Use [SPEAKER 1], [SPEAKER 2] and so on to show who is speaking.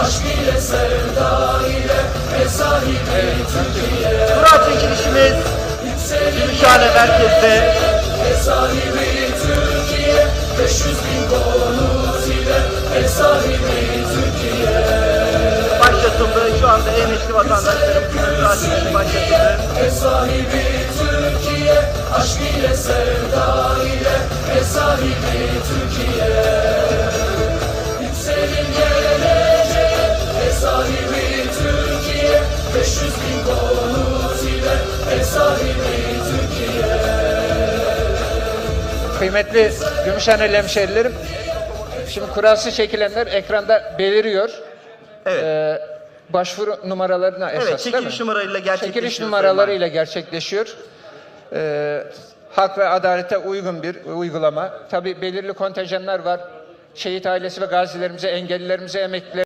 [SPEAKER 1] aşk ile sevda ile ev sahibi Türkiye.
[SPEAKER 2] Kura çekilişimiz Gümüşhane merkezde.
[SPEAKER 1] Ev sahibi Türkiye, 500.000 konut ile ev sahibi Türkiye.
[SPEAKER 2] Başlatıldı. Şu anda emekli vatandaşlarımızın kura çekilişi başlatıldı.
[SPEAKER 1] Ev sahibi Türkiye, aşk ile sevda ile ev sahibi Türkiye. Yükselin geleceğe, ev sahibi Türkiye, 500.000 konut ile ev sahibi Türkiye.
[SPEAKER 3] Kıymetli Gümüşhaneli hemşehrilerim, şimdi kurası çekilenler ekranda beliriyor.
[SPEAKER 2] Evet.
[SPEAKER 3] Başvuru numaralarına esas
[SPEAKER 2] Evet,
[SPEAKER 3] değil mi?
[SPEAKER 2] çekiliş numaralarıyla gerçekleşiyor.
[SPEAKER 3] Çekiliş numaralarıyla gerçekleşiyor. Hak ve adalete uygun bir uygulama. Tabii belirli kontenjanlar var. Şehit ailesi ve gazilerimize, engellilerimize, emeklilerimize